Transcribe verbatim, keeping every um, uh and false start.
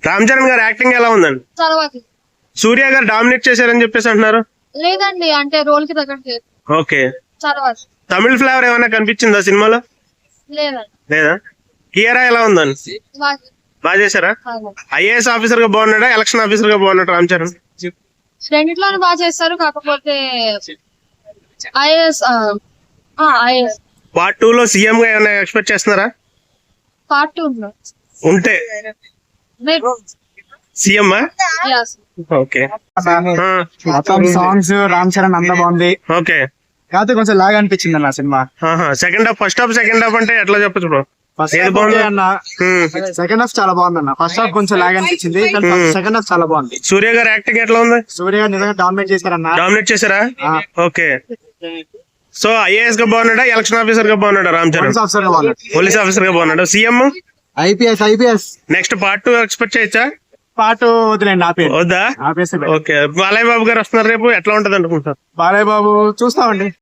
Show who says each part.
Speaker 1: రామ్ చరణ్ గారు యాక్టింగ్ ఎలా ఉందండి?
Speaker 2: తర్వాత
Speaker 1: సూర్య గారు డామినేట్ చేశారని చెప్పేసి అంటున్నారు.
Speaker 2: లేదండి, అంటే రోల్ కి తగ్గట్టు
Speaker 1: ఓకే.
Speaker 2: తర్వాత
Speaker 1: తమిళ ఫ్లేవర్ ఏమైనా కనిపించిందా సినిమాలో?
Speaker 2: లేదండి.
Speaker 1: లేదా? కియారా ఎలా ఉందండి?
Speaker 2: బాగా-
Speaker 1: బాగా చేశారా?
Speaker 2: బాగా.
Speaker 1: ఐఏఎస్ ఆఫీసర్ గా బాగున్నాడా, ఎలక్షన్ ఆఫీసర్ గా బాగున్నాడు రామ్ చరణ్?
Speaker 2: రెండిట్లోనూ బాగా చేస్తారు, కాకపోతే ఐఏఎస్ ఐఏఎస్
Speaker 1: పార్ట్ టూ లో సీఎం గా ఏమైనా ఎక్స్పెక్ట్ చేస్తున్నారా?
Speaker 2: పార్ట్ టూ
Speaker 1: ఉంటే సీఎం ఓకే.
Speaker 3: మొత్తం సాంగ్స్ రామ్ చరణ్ అంతా బాగుంది.
Speaker 1: ఓకే.
Speaker 3: కాకపోతే కొంచెం లాగా అనిపించింది అన్న సినిమా.
Speaker 1: Second half first half second half అంటే ఎట్లా చెప్పచ్చు బ్రో?
Speaker 3: ఫస్ట్
Speaker 1: ఏది
Speaker 3: హాఫ్
Speaker 1: బాగుంది
Speaker 3: అన్న, సెకండ్ హాఫ్ చాలా బాగుంది అన్న. ఫస్ట్ హాఫ్ కొంచెం లాగా అనిపించింది, సెకండ్ హాఫ్ చాలా బాగుంది.
Speaker 1: సూర్య గారు యాక్టింగ్ ఎట్లా ఉంది?
Speaker 3: సూర్య గారు నిజంగా డామినేట్ చేశారన్న.
Speaker 1: డామినేట్ చేశారా?
Speaker 3: ఆ.
Speaker 1: ఓకే. సో ఐఏఎస్ గా బాగున్నాడా, ఎలక్షన్ ఆఫీసర్ గా బాగున్నాడా రామ్ చరణ్?
Speaker 3: పోలీస్ ఆఫీసర్ గా బాగున్నాడు.
Speaker 1: పోలీస్ ఆఫీసర్ గా బాగున్నాడు. CM
Speaker 3: IPS IPS
Speaker 1: next part two expect చేయొచ్చా?
Speaker 3: పాటు వదిలేండి, ఆపే
Speaker 1: వద్దా?
Speaker 3: ఆపేసి
Speaker 1: ఓకే. బాలయ్య బాబు గారు వస్తున్నారు రేపు, ఎట్లా ఉంటది అనుకుంటారు?
Speaker 3: బాలయ్య బాబు చూస్తామండి.